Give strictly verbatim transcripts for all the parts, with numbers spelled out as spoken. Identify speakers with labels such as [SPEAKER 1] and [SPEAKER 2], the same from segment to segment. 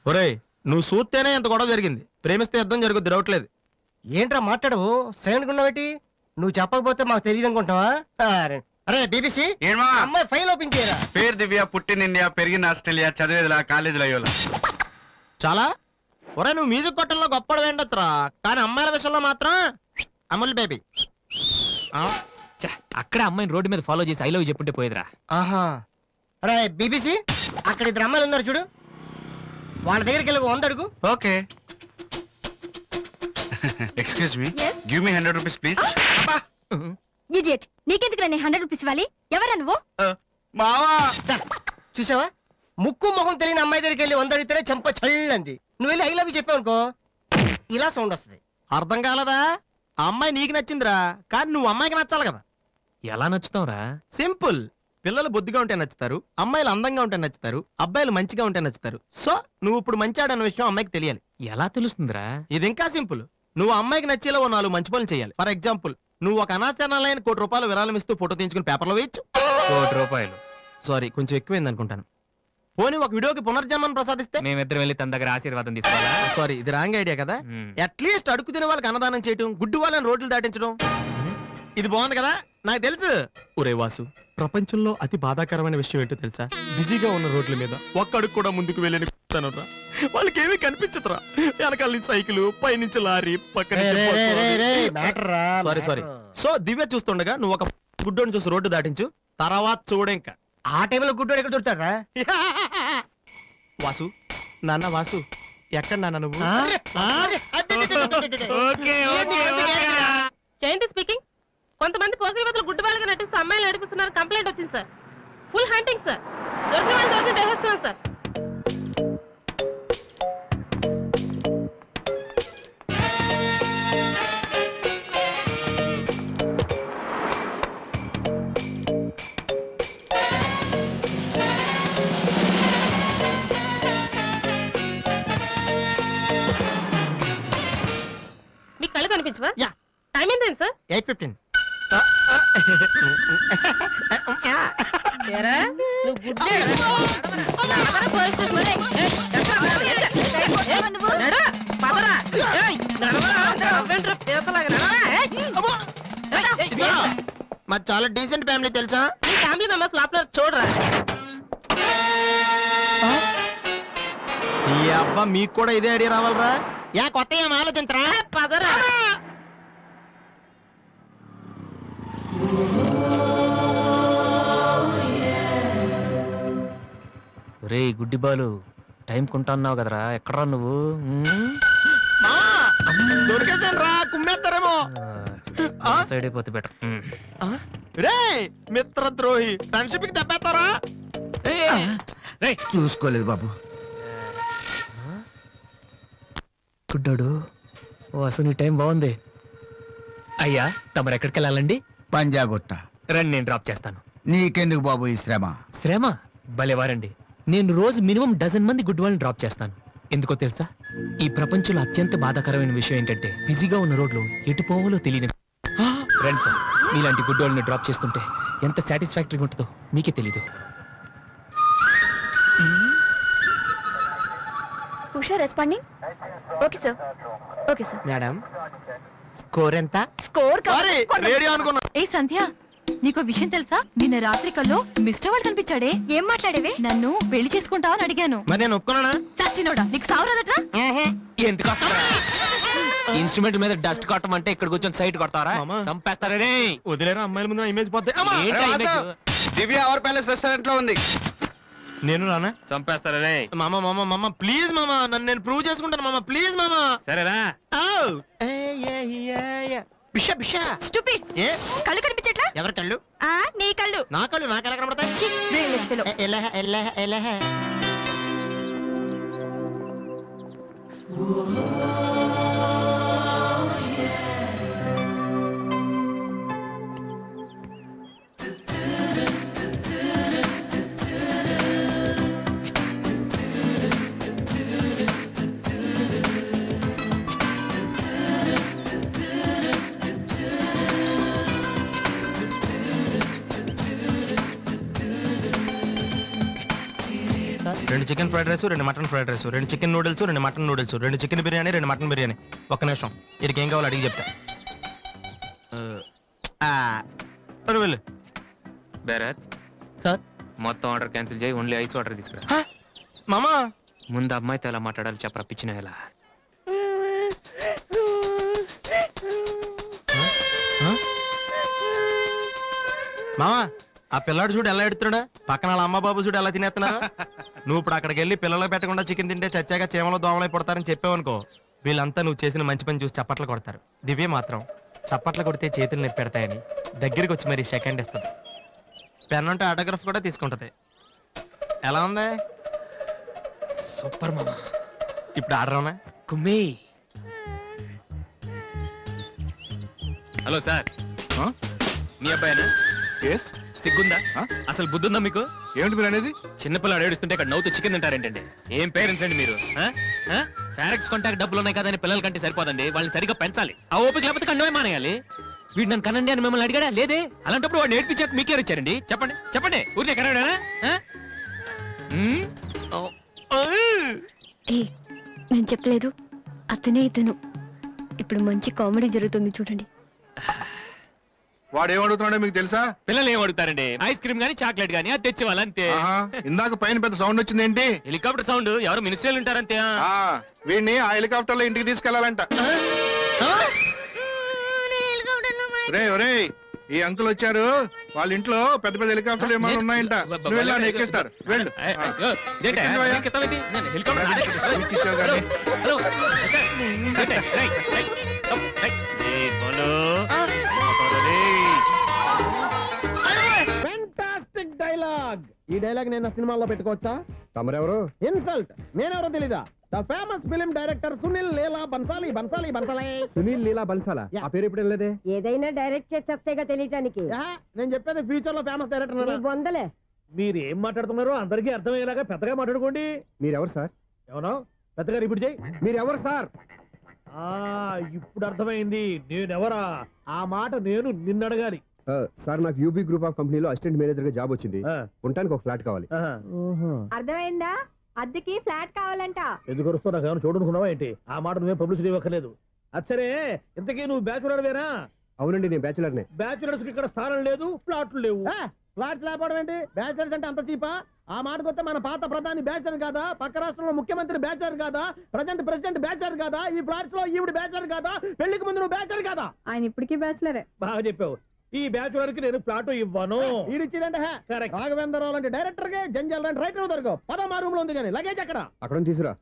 [SPEAKER 1] ఒరేయ్ నువ్వు చూస్తేనే ఎంత గొడవ జరిగింది, ప్రేమిస్తే యుద్ధం జరుగుద్ది, డౌట్ లేదు.
[SPEAKER 2] ఏంట్రా మాట్లాడవు, సైలెంట్ ఉన్నావేటి? నువ్వు చెప్పకపోతే మాకు తెలియదు అనుకుంటావా? అరే బీబీసీ, అమ్మాయి ఫైల్ ఓపెన్ చేయరా.
[SPEAKER 3] పేరు దివ్య, పుట్టిన ఇండియా, పెరిగిన ఆస్ట్రేలియా, చదివేదిలా కాలేజీలో అయ్యోలా.
[SPEAKER 1] చాలా ఒరే నువ్వు మ్యూజిక్ కొట్టంలో గొప్పడు వేండొచ్చురా, కానీ అమ్మాయిల విషయంలో మాత్రం అమూల్ బేబీ.
[SPEAKER 4] అక్కడ అమ్మాయిని రోడ్డు మీద ఫాలో చేసి ఐ లవ్ చెప్పుంటే పోయేదిరా.
[SPEAKER 2] ఆహా. అరే బీబీసీ, అక్కడ ఇద్దరు అమ్మాయిలు ఉన్నారు చూడు, వాళ్ళ దగ్గరికి వెళ్ళి వంద అడుగు.
[SPEAKER 3] Okay. Excuse me, give me hundred rupees please.
[SPEAKER 5] Idiot, నీకెందుకు నేను హండ్రెడ్ రూపీస్ ఇవ్వాలి? ఎవరా నువ్వు?
[SPEAKER 3] మావా.
[SPEAKER 2] చూసావా, ముక్కు మొహం తెలియని అమ్మాయి దగ్గరికి వెళ్ళి వంద అడిగితేనే చెంప చల్లంది. నువ్వు వెళ్ళి ఐ లవ్ యూ చెప్పావు అనుకో, ఇలా సౌండ్ వస్తుంది.
[SPEAKER 1] అర్థం కాలదా? ఆ అమ్మాయి నీకు నచ్చిందిరా, కానీ నువ్వు అమ్మాయికి నచ్చాలి కదా.
[SPEAKER 4] ఎలా నచ్చుతావురా?
[SPEAKER 1] సింపుల్. పిల్లలు బొద్దుగా ఉంటే నచ్చుతారు, అమ్మాయిలు అందంగా ఉంటే నచ్చుతారు, అబ్బాయిలు మంచిగా ఉంటే నచ్చుతారు. సో నువ్వు ఇప్పుడు మంచాడన్న విషయం అమ్మాయికి తెలియాలి.
[SPEAKER 4] ఎలా తెలుస్తుందిరా?
[SPEAKER 1] ఇది ఇంకా సింపుల్. నువ్వు అమ్మాయికి నచ్చేలా ఓ నాలుగు మంచి పనులు చేయాలి. ఫర్ ఎగ్జాంపుల్, నువ్వు ఒక అనాచరణలైన కోటి రూపాయలు విరాళం ఇస్తూ ఫోటో తీయించుకుని పేపర్లో వేయచ్చు.
[SPEAKER 4] కోటి రూపాయలు
[SPEAKER 1] సారీ, కొంచెం ఎక్కువైంది అనుకుంటాను. పోనీ ఒక వీడియోకి పునర్జన్మను ప్రసాదిస్తే
[SPEAKER 4] మేమిద్దరం వెళ్ళి తన దగ్గర ఆశీర్వాదం తీసుకోవాలా?
[SPEAKER 1] సారీ, ఇది రాంగ్ ఐడియా కదా. అట్లీస్ట్ అడుగు తినే వాళ్ళకి అన్నదానం చేయటం, గుడ్డు వాళ్ళని రోడ్లు దాటించడం, ఇది బాగుంది కదా. నాకు తెలుసు. ఒరే వాసు, ప్రపంచంలో అతి బాధాకరమైన విషయం ఏంటో తెలుసా? బిజీగా ఉన్న రోడ్ల మీద ఒక్క అడుగు కూడా ముందుకు వెళ్ళని వాళ్ళకి ఏమీ కనిపించదురా. వెనకాల నుంచి సైకిల్, పైనుంచి లారీ, పక్కన సారీ సారీ సో దివ్య చూస్తుండగా నువ్వు ఒక గుడ్డోని చూసి రోడ్డు దాటించు, తర్వాత చూడే. ఇంకా
[SPEAKER 2] ఆ టైంలో గుడ్డోడు ఎక్కడ దొరుకుతాడా?
[SPEAKER 1] వాసు, నాన్న వాసు, ఎక్కడ నాన్న నువ్వు?
[SPEAKER 6] జయంతి స్పీకింగ్. కొంతమంది పోకిరి వదలు గుడ్డి వాళ్ళగా నటిస్తూ అమ్మాయిలు నడిపిస్తున్నారు, కంప్లైంట్ వచ్చింది సార్. ఫుల్ హంటింగ్ సార్, దొరికిన వాళ్ళు దొరికి చేసేస్తున్నాం సార్. మీకు కళ్ళు కనిపించవా? టైం ఏంటండి సార్?
[SPEAKER 1] Eight fifteen.
[SPEAKER 6] నువ్వు గుడ్డే
[SPEAKER 1] మాది చాలా డీసెంట్ ఫ్యామిలీ తెలుసా?
[SPEAKER 6] మీ ఫ్యామిలీ మెంబర్స్ లోపల చూడరా.
[SPEAKER 1] ఈ అబ్బా మీకు కూడా ఇదే ఐడియా రావాలరా? యా కొత్త ఏం ఆలోచించరా?
[SPEAKER 6] పదరా.
[SPEAKER 4] రే గుడ్డి బాలు, టైం కొంటా అన్నావు కదరా, ఎక్కడరా నువ్వు?
[SPEAKER 1] దొరికేసాను రా, కుమ్మేస్తారేమో.
[SPEAKER 4] సైడ్ అయిపోతే బెటర్.
[SPEAKER 1] రే మిత్ర ద్రోహి, ఫ్రెండ్షిప్ కి దెబ్బేస్తారా?
[SPEAKER 7] చూసుకోలేదు బాబు.
[SPEAKER 4] గుడ్డాడు, ఓ అసలు నీ టైం బాగుంది. అయ్యా తమరు ఎక్కడికి వెళ్ళాలండి?
[SPEAKER 7] పంజాగుట్ట.
[SPEAKER 4] రండి, నేను డ్రాప్ చేస్తాను.
[SPEAKER 7] నీకెందుకు బాబు ఈ శ్రమ?
[SPEAKER 4] శ్రమ భలేవారండి. నేను రోజు మినిమం డజన్ మంది గుడ్ వాళ్ళని డ్రాప్ చేస్తాను. ఎందుకో తెలుసా? ఈ ప్రపంచంలో అత్యంత బాధాకరమైన విషయం ఏంటంటే బిజీగా ఉన్న రోడ్లు ఎటు పోవాలో తెలియని. రండి సార్, మీలాంటి గుడ్ వాళ్ళని డ్రాప్ చేస్తుంటే ఎంత సాటిస్ఫాక్టరీగా ఉంటుందో మీకే తెలీదు.
[SPEAKER 5] Usha responding. Okay sir, okay sir.
[SPEAKER 1] Madam score ఎంత?
[SPEAKER 5] స్కోర్
[SPEAKER 1] సారీ, రేడియో అనుకున్నా.
[SPEAKER 5] ఏ సంధ్య, నీకో విషయం తెలుసా? నిన్న రాత్రి కల్లో మిస్టర్ వాడు కనిపించాడే. ఏం మాట్లాడేవే? నన్ను పెళ్లి చేసుకుంటావని అడిగాను.
[SPEAKER 1] మరి నేను ఒప్పుకున్నానా?
[SPEAKER 5] సచ్చినోడా, నీకు సావరాదట్రా?
[SPEAKER 4] ఎందుకు ఇన్స్ట్రుమెంట్ మీద డస్ట్ కొట్టమంటే ఇక్కడ కూర్చొని సైట్ కొడతారా? చంపేస్తారే.
[SPEAKER 1] వదిలేరా, అమ్మాయిల ముందు ఇమేజ్ పోతే.
[SPEAKER 3] దివ్య అవర్ ప్యాలెస్ రెస్టారెంట్ లో ఉంది.
[SPEAKER 1] నేను రానా?
[SPEAKER 4] చంపేస్తారే.
[SPEAKER 1] మామ మామ మామ ప్లీజ్ మామ, నన్ను నేను ప్రూవ్ చేసుకుంటాను మామ, ప్లీజ్ మామ.
[SPEAKER 4] సరేరా.
[SPEAKER 1] బిషా బిషా
[SPEAKER 5] స్టూపిడ్.
[SPEAKER 1] ఏ
[SPEAKER 5] కళ్ళు కనిపించట్లా?
[SPEAKER 1] ఎవరి కళ్ళు?
[SPEAKER 5] ఆ నీ కళ్ళు.
[SPEAKER 1] నా కళ్ళు నాకు ఎలా కనబడతాయి? ఎలా ఎలా ఎలా రెండు చికెన్ ఫ్రైడ్ రైస్ రెండు మటన్ ఫ్రైడ్ రైస్ రెండు చికెన్ నూడిల్స్ రెండు మటన్ నూడిల్స్ రెండు చికెన్ బిర్యానీ రెండు మటన్ బిర్యానీ. ఒక్క నిమిషం, వీడికి ఏం కావాలో అడిగి చెప్తా. ఆ, సరే వెళ్ళు.
[SPEAKER 4] బేరత్
[SPEAKER 2] సార్
[SPEAKER 4] మొత్తం ఆర్డర్ క్యాన్సిల్ చేయి, ఓన్లీ ఐస్ వాటర్ తీసుకురా.
[SPEAKER 1] హ? మామా
[SPEAKER 4] ముందు అమ్మాయితో ఎలా మాట్లాడాలి చెప్పరా పిచ్చిన ఎలా.
[SPEAKER 1] మామా ఆ పిల్లాడు చూడు ఎలా ఎడుతున్నాడా, పక్కన వాళ్ళ అమ్మ బాబు చూడు ఎలా తినేస్తున్నా. నువ్వు ఇప్పుడు అక్కడికి వెళ్ళి పిల్లలకు పెట్టకుండా చికెన్ తింటే చచ్చాక చీమలో దోమలై పడతారని చెప్పావనుకో, వీళ్ళంతా నువ్వు చేసిన మంచి పని చూసి చప్పట్లు కొడతారు. దివ్య మాత్రం చప్పట్లు కొడితే చేతులు నొప్పి పెడతాయని దగ్గరికి వచ్చి మరి సెకండ్ ఇస్తుంది. పెన్ అంటే ఆటోగ్రాఫ్ కూడా తీసుకుంటది. ఎలా ఉంది?
[SPEAKER 4] సూపర్ మామా.
[SPEAKER 1] ఇప్పుడు ఆడరావునా?
[SPEAKER 4] కుమ్మి. హలో సార్, మీ అబ్బాయినా? సిగ్గుందా? అసలు బుద్ధుందా మీకు?
[SPEAKER 3] ఏమిటి మీరు అనేది?
[SPEAKER 4] చిన్నపిల్లలు ఏడుస్తుంటే ఇక్కడ నవ్వుతూ చికెన్ తింటారేంటండి? ఏం పేరెంట్స్ అండి మీరు? ఫారెక్స్ కాంటాక్ట్ డబ్బులు ఉన్నాయి కదా అని పిల్లల కంటే సరిపోదండి, వాళ్ళని సరిగ్గా పెంచాలి. ఆ ఓపిక లేకపోతే కండమే మానేయాలి. వీడు నన్ను కనండి అని మిమ్మల్ని అడిగాడా? లేదే. అలాంటప్పుడు వాడు నేర్పించాక మీకే ఇచ్చారండి. చెప్పండి చెప్పండి, ఊరికే కనడానా?
[SPEAKER 8] ఏ నేను చెప్పలేదు, అతనే ఇతను. ఇప్పుడు మంచి కామెడీ జరుగుతుంది చూడండి.
[SPEAKER 3] వాడు ఏమడుగుతున్నాడో మీకు తెలుసా?
[SPEAKER 4] పిల్లలు ఏం అడుగుతారండి? ఐస్ క్రీమ్ గానీ చాక్లెట్ గానీ అది తెచ్చి వాళ్ళంతే.
[SPEAKER 3] ఆహా, ఇందాక పైన పెద్ద సౌండ్ వచ్చింది ఏంటి?
[SPEAKER 4] Helicopter sound. ఎవరు మినిస్టర్లు ఉంటారంతే.
[SPEAKER 3] ఆ, వీడిని ఆ హెలికాప్టర్ లో ఇంటికి తీసుకెళ్లాలంట. రే ఒరే, ఈ అంకుల్ వచ్చారు, వాళ్ళ ఇంట్లో పెద్ద పెద్ద హెలికాప్టర్లు ఏమైనా ఉన్నాయంట. నువ్వు వెళ్ళి ఆయన ఎక్కిస్తారు. వెళ్ళు. ఆ. ఎక్కించావు కానీ.
[SPEAKER 1] Fantastic dialogue. ఈ డైలాగ్ నేను సినిమాలో పెట్టుకోవచ్చా?
[SPEAKER 2] తమరెవరు?
[SPEAKER 1] ఇన్సల్ట్. నేనెవరో తెలీదా? The famous film director Sunil Leela Bansali. Bansali Bansali
[SPEAKER 2] Sunil Leela బన్సాలా? ఆ పేరు ఇప్పుడు లేదే.
[SPEAKER 9] ఏదైనా డైరెక్ట్ చేసేస్తేగా తెలియటానికి.
[SPEAKER 1] నేను చెప్పేది ఫ్యూచర్ లో ఫేమస్ డైరెక్టర్.
[SPEAKER 9] బొందలే.
[SPEAKER 1] మీరు ఏం మాట్లాడుతున్నారో అందరికీ అర్థమయ్యేలాగా పెద్దగా మాట్లాడుకోండి.
[SPEAKER 2] మీరెవరు సార్?
[SPEAKER 1] ఎవరో పెద్దగా రిపీట్ చేయి.
[SPEAKER 2] మీరెవరు సార్?
[SPEAKER 1] ఆ ఇప్పుడు అర్థమైంది నేనెవరా. ఆ మాట నేను నిన్ను అడగాలి.
[SPEAKER 2] సార్, నాకు యూబీ గ్రూప్ ఆఫ్ కంపెనీలో అసిస్టెంట్ మేనేజర్ గా జాబ్ వచ్చింది. ఉండటానికి ఒక ఫ్లాట్ కావాలి.
[SPEAKER 9] అర్థమైందా? అద్దెకి ఫ్లాట్ కావాలంట.
[SPEAKER 1] ఎందుకు వస్తావు? నాకు ఏమైనా చూడనుకున్నావా ఏంటి? ఆ మాట నువ్వే పబ్లిసిటీ ఇవ్వక్కర్లేదు. అచ్చరే, ఇంతకీ నువ్వు బ్యాచులర్ వేరా?
[SPEAKER 2] అవునండి, నేను బ్యాచులర్ నే.
[SPEAKER 1] బ్యాచులర్స్ కి ఇక్కడ స్థానం లేదు, ప్లాట్లు లేవు. ఫ్లాట్స్ లేకపోవడం ఏంటి? బ్యాచులర్స్ అంటే అంత చీపా? ఆ మాటకొస్తే మన పాత ప్రధాని బ్యాచర్ కాదా? పక్క రాష్ట్రంలో ముఖ్యమంత్రి బ్యాచర్ కాదా? ప్రజెంట్ ప్రెసిడెంట్ బ్యాచర్ కాదా? ఈ ఫ్లాట్స్ లో ఈవిడ బ్యాచర్ కాదా? పెళ్లికి ముందు నువ్వు బ్యాచర్ కాదా?
[SPEAKER 9] ఆయన ఇప్పటికీ బ్యాచులరే.
[SPEAKER 1] బాగా చెప్పావు. ఈ బ్యాచులర్ కి నేను ఫ్లాట్ ఇవ్వను. ఇడిచ్చిందంటే రాఘవేంద్రరావు లాంటి డైరెక్టర్ కి జంజల్ లాంటి రైటర్ దొరకవు. పదమా రూమ్ లో ఉంది కానీ లగేజ్ అక్కడ.
[SPEAKER 2] అక్కడ తీసుకురా.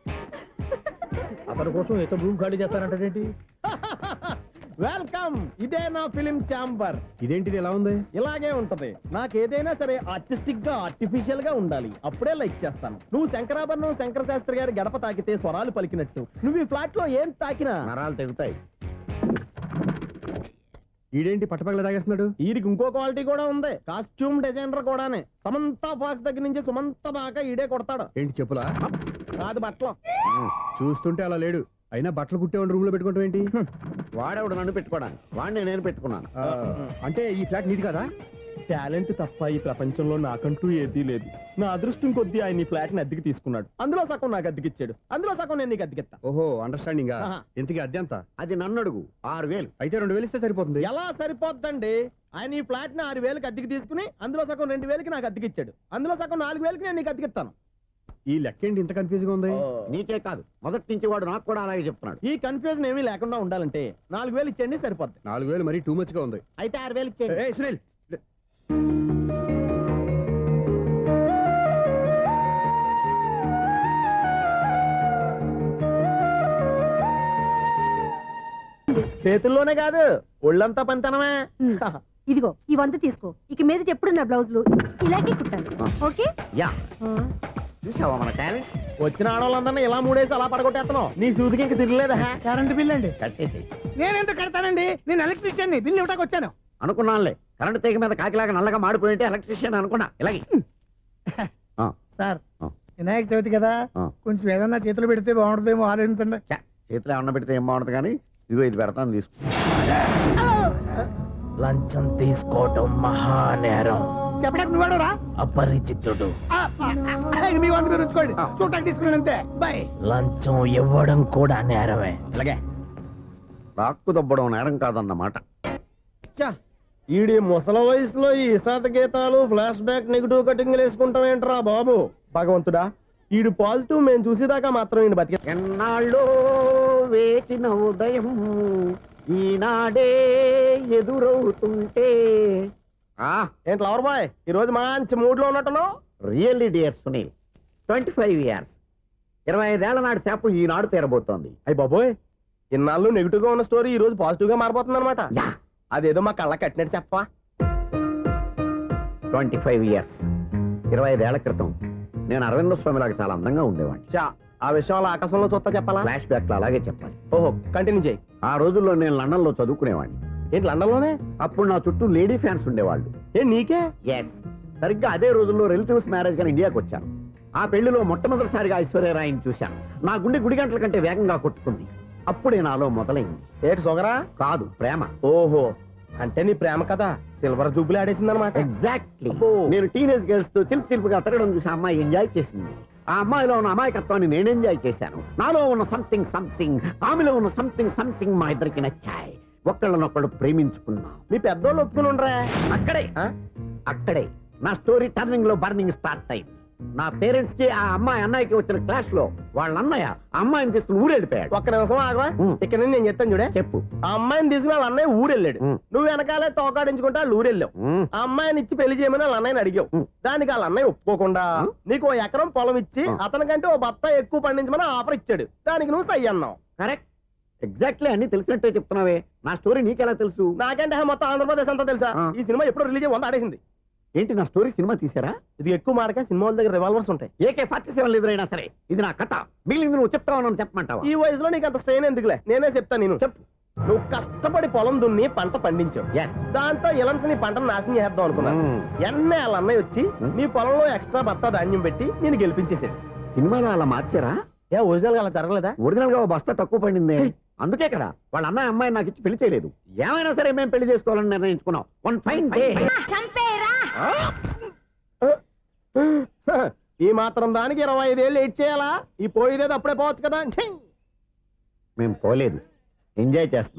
[SPEAKER 1] అతని కోసం ఎంత రూమ్ ఖాళీ చేస్తానంటే వెల్కమ్. ఇదే నా ఫిలిం ఛాంబర్.
[SPEAKER 2] ఇదేంటిది ఎలా ఉంది?
[SPEAKER 1] ఇలాగే ఉంటది. నాకు ఏదైనా సరే ఆర్టిస్టిక్ గా ఆర్టిఫిషియల్ గా ఉండాలి, అప్పుడే లైక్ చేస్తాను. నువ్వు శంకరాభరణం శంకర శాస్త్రి గారి గడప తాకితే స్వరాలు పలికినట్టు నువ్వు ఈ ఫ్లాట్ లో ఏం తాకినా నరాలు తెగుతాయి.
[SPEAKER 2] ఈడేంటి పట్టపగల తాగేస్తున్నాడు?
[SPEAKER 1] వీడికి ఇంకో క్వాలిటీ కూడా ఉంది. కాస్ట్యూమ్ డిజైనర్ కూడానే. సమంత ఫాక్స్ దగ్గర నుంచి సుమంత దాకా ఈడే కొడతాడు.
[SPEAKER 2] ఏంటి చెప్పులా?
[SPEAKER 1] కాదు బట్టలు.
[SPEAKER 2] చూస్తుంటే అలా లేడు. అయినా బట్టలు కుట్టేవాడి రూమ్ లో పెట్టుకోవడం ఏంటి?
[SPEAKER 10] వాడేవాడు నన్ను పెట్టుకోవడానికి, వాడిని నేను పెట్టుకున్నాను.
[SPEAKER 2] అంటే ఈ ఫ్లాట్ నీది కదా?
[SPEAKER 1] టాలెంట్ తప్ప ఈ ప్రపంచంలో నాకంటూ ఏదీ లేదు. నా అదృష్టం కొద్దీ ఆయన ఈ ఫ్లాట్ ని అద్దెకి తీసుకున్నాడు. అందులో సగం నాకు అద్దెకిచ్చాడు, అందులో సగం నేను నీకు అద్దెకిస్తా.
[SPEAKER 2] ఓహో, అండర్స్టాండింగ్.
[SPEAKER 1] ఆహా.
[SPEAKER 2] ఇంతకీ అద్దె ఎంత?
[SPEAKER 10] అది నన్ను అడుగు. ఆరు వేలు.
[SPEAKER 2] అయితే రెండు వేలు ఇస్తే సరిపోతుంది.
[SPEAKER 1] ఎలా సరిపోద్దండి? ఆయన ఈ ఫ్లాట్ ని ఆరు వేలకి అద్దెకి తీసుకుని అందులో సగం రెండు వేలకి నాకు అద్దెకిచ్చాడు, అందులో సగం నాలుగు వేలకి నేను నీకు అద్దెకిస్తాను.
[SPEAKER 2] ఈ లెక్క ఏంటి ఇంత కన్ఫ్యూజ్ గా ఉంది?
[SPEAKER 10] నీకే కాదు, మొదటి నుంచి వాడు నాకు కూడా అలాగే చెప్తున్నాడు.
[SPEAKER 1] ఈ కన్ఫ్యూజన్ ఏమీ లేకుండా ఉండాలంటే నాలుగు వేలు ఇచ్చేయండి, సరిపోద్ది.
[SPEAKER 2] నాలుగు వేలు మరీ టూ మచ్ గా ఉంది.
[SPEAKER 1] అయితే ఆరు వేలు ఇచ్చేయండి.
[SPEAKER 2] ఏయ్ సునీల్, చేతుల్లోనే కాదు ఒళ్ళంతా పంతనమే.
[SPEAKER 9] ఇదిగో ఈ వంద తీసుకో. ఇక మీద ఎప్పుడు నా బ్లౌజులు ఇలాగే కుట్టాలి. ఓకే?
[SPEAKER 10] యా, చూసావా మన టాలెంట్?
[SPEAKER 1] వచ్చిన ఆడవాళ్ళందరినీ ఇలా మూడేసి అలా పడగొట్టేస్తున్నావు. నీ సూదికి ఇంక తిరగలేదా? కరెంట్ బిల్ అండి.
[SPEAKER 10] కట్టేసి.
[SPEAKER 1] నేనెందుకు కడతానండి? నేను ఎలక్ట్రీషియన్ ని, బిల్లు ఇవ్వడానికి వచ్చాను.
[SPEAKER 10] అనుకున్నానులే, కరెంట్ తీగ మీద కాకిలాగా నల్లగా మాడిపోయింటే ఎలక్ట్రీషియన్ అనుకున్నా. ఇలాగే
[SPEAKER 1] సార్, వినాయక చవితి కదా, కొంచెం ఏదన్నా చేతులు పెడితే బాగుంటుందేమో ఆలోచించండి.
[SPEAKER 10] చేతిలో అన్న పెడితే ఏం బాగుంటుంది కానీ ఇదిగో ఇది పెడతాను, తీసుకో.
[SPEAKER 1] లంచం తీసుకోవటం మహానేరం.
[SPEAKER 2] చెప్పడానికి నువ్వాడరా
[SPEAKER 10] అపరిచితుడు
[SPEAKER 2] మీ వంద మీరు ఉంచుకోండి చూడటానికి తీసుకున్నాను అంతే బాయ్
[SPEAKER 10] లంచం ఇవ్వడం కూడా నేరమే అలాగే రాక్కు దబ్బడం నేరం కాదన్నమాట.
[SPEAKER 2] ఈడి ముసల వయసులో ఈ ఇసాత గీతాలు ఫ్లాష్ బ్యాక్ నెగిటివ్ కటింగ్ వేసుకుంటాం ఏంట్రా బాబు భగవంతుడా ఈడు పాజిటివ్ మేము చూసేదాకా మాత్రం ఈయన బతికే
[SPEAKER 10] ఎన్నాళ్ళో వేచిన ఉదయం ఈనాడే ఎదురవుతుంటే
[SPEAKER 2] ఏంటి లవర్ బాయ్ ఈ రోజు మంచి మూడ్ లో ఉన్నట్టును
[SPEAKER 10] really dear Sunil twenty five years ఇరవై ఐదేళ్ల నాటి చేప ఈనాడు తీరబోతోంది.
[SPEAKER 2] అయ్యి బాబోయ్ ఇన్నాళ్ళు నెగిటివ్ గా ఉన్న స్టోరీ ఈ రోజు పాజిటివ్ గా మారిపోతుంది అనమాట
[SPEAKER 10] యా
[SPEAKER 2] అదేదో మా కళ్ళ కట్టినట్టు చెప్పా
[SPEAKER 10] ట్వంటీ ఫైవ్ ఇయర్స్ ఇరవై ఐదేళ్ల క్రితం నేను అరవింద స్వామిలాగా చాలా అందంగా ఉండేవాడిని.
[SPEAKER 2] చా ఆ విషయం అలా ఆకాశంలో చూస్తా చెప్పాలా
[SPEAKER 10] ఫ్లాష్ బ్యాక్ లో అలాగే చెప్పాలి.
[SPEAKER 2] ఓహో కంటిన్యూ చేయి
[SPEAKER 10] ఆ రోజుల్లో నేను లండన్ లో చదువుకునేవాడిని.
[SPEAKER 2] ఏంటి లండన్ లోనే
[SPEAKER 10] అప్పుడు నా చుట్టూ లేడీ ఫ్యాన్స్ ఉండేవాళ్ళు.
[SPEAKER 2] ఏ నీకే
[SPEAKER 10] ఎస్ సరిగ్గా అదే రోజుల్లో రిలేటివ్స్ మ్యారేజ్ గా ఇండియాకి వచ్చాను. ఆ పెళ్లిలో మొట్టమొదటిసారిగా ఐశ్వర్యరాయని చూశాను. నా గుండె గుడి గంటల కంటే వేగంగా కొట్టుకుంది. అప్పుడే నాలో మొదలైంది.
[SPEAKER 2] ఏటి సొగరా
[SPEAKER 10] కాదు ప్రేమ.
[SPEAKER 2] ఓహో అంటే నీ ప్రేమ కదా సిల్వర్ జూబులు ఆడేసింది అనమాట
[SPEAKER 10] ఎగ్జాక్ట్లీ. నేను టీనేజ్ గర్ల్స్ తో చిలిపి చిలిపిగా తిరగడం చూసి ఆ అమ్మాయి ఎంజాయ్ చేసింది. ఆ అమ్మాయిలో ఉన్న అమాయకత్వాన్ని నేను ఎంజాయ్ చేశాను. నాలో ఉన్న సంథింగ్ సంథింగ్ ఆమెలో ఉన్న సంథింగ్ సంథింగ్ మా ఇద్దరికి నచ్చాయి. ఒక్కళ్ళనొక్కళ్ళు ప్రేమించుకున్నాం.
[SPEAKER 2] మీ పెద్దోళ్ళు ఒప్పుకుని ఉండరా
[SPEAKER 10] అక్కడే అక్కడే నా స్టోరీ టర్నింగ్ లో బర్నింగ్ స్టార్ట్ అయింది. నా పేరెంట్స్ కి ఆ అమ్మాయి అన్నయ్యకి వచ్చిన క్లాష్ లో వాళ్ళ అన్నయ్య ఆ అమ్మాయిని తీసుకుని ఊరెళ్ళిపోయాడు.
[SPEAKER 2] ఒక్క నిమిషం ఆగవా
[SPEAKER 10] ఉం.
[SPEAKER 2] ఇక్కడ నుంచి నేను చెప్తాను చూడే
[SPEAKER 10] చెప్పు.
[SPEAKER 2] ఆ అమ్మాయిని తీసుకుని వాళ్ళ అన్నయ్య ఊరెళ్ళాడు
[SPEAKER 10] ఉం.
[SPEAKER 2] నువ్వు వెనకాలే తోకాడించుకుంటా వాళ్ళు ఊరెళ్ళావు.
[SPEAKER 10] ఉమ్,
[SPEAKER 2] ఆ అమ్మాయిని ఇచ్చి పెళ్లి చేయమని వాళ్ళ అన్నయ్యని అడిగావు
[SPEAKER 10] ఉం.
[SPEAKER 2] దానికి వాళ్ళ అన్నయ్య ఒప్పుకోకుండా
[SPEAKER 10] ఉం.
[SPEAKER 2] నీకు ఓ ఎకరం పొలం ఇచ్చి
[SPEAKER 10] ఉం.
[SPEAKER 2] అతనికంటే ఓ బత్త ఎక్కువ పండించమని ఆఫర్ ఇచ్చాడు. దానికి నువ్వు సై అన్నావు.
[SPEAKER 10] కరెక్ట్ ఎగ్జాక్ట్లీ అన్ని తెలిసినట్టే చెప్తున్నావే. నా స్టోరీ నీకెలా తెలుసు?
[SPEAKER 2] నాకంటే మొత్తం ఆంధ్రప్రదేశ్ అంతా తెలుసా
[SPEAKER 10] ఆ.
[SPEAKER 2] ఈ సినిమా ఎప్పుడు రిలీజ్ అయ్యి వంద ఆడేసింది.
[SPEAKER 10] ఏంటి నా స్టోరీ సినిమా తీసారా?
[SPEAKER 2] ఇది ఎక్కువ మాటగా సినిమా వాళ్ళ దగ్గర రివాల్వర్స్ ఉంటాయి.
[SPEAKER 10] ఏకే ఫార్టీ సెవెన్ ఎదురైనా సరే ఇది నా కథ. మిగిలింది నువ్వు చెప్తావు చెప్పమంటావా?
[SPEAKER 2] ఈ వయసులో నీకు అంత స్ట్రెయిన్ ఎందుకులే నేనే చెప్తాను. నేను
[SPEAKER 10] చెప్పు.
[SPEAKER 2] నువ్వు కష్టపడి పొలం దున్ని పంట పండించావు.
[SPEAKER 10] ఎస్.
[SPEAKER 2] దాంతో ఇలన్స్ నీ పంటను నాశనం చేద్దాం అనుకున్నా. ఎన్నే వాళ్ళ అన్నయ్య వచ్చి
[SPEAKER 10] ఉం.
[SPEAKER 2] నీ పొలంలో ఎక్స్ట్రా బత్తా ధాన్యం పెట్టి నేను గెలిపించేసాడు.
[SPEAKER 10] సినిమాలో అలా మార్చారా?
[SPEAKER 2] ఏ ఒరిజినల్ గా అలా జరగలేదా?
[SPEAKER 10] ఒరిజినల్ గా ఓ బస్తా తక్కువ పడింది. అందుకే కదా వాళ్ళ అన్నయ్య అమ్మాయి నాకు ఇచ్చి పెళ్లి చేయలేదు. ఏమైనా సరే మేము పెళ్లి చేసుకోవాలని నిర్ణయించుకున్నాం. వన్ ఫైన్ డే
[SPEAKER 2] ఈ మాత్రం దానికి ఇరవై ఐదేళ్ళు వెయిట్ చేయాలా? ఈ పోయేదేది అప్పుడే పోవచ్చు కదా.
[SPEAKER 10] మేము పోలేదు, ఎంజాయ్ చేస్తాం.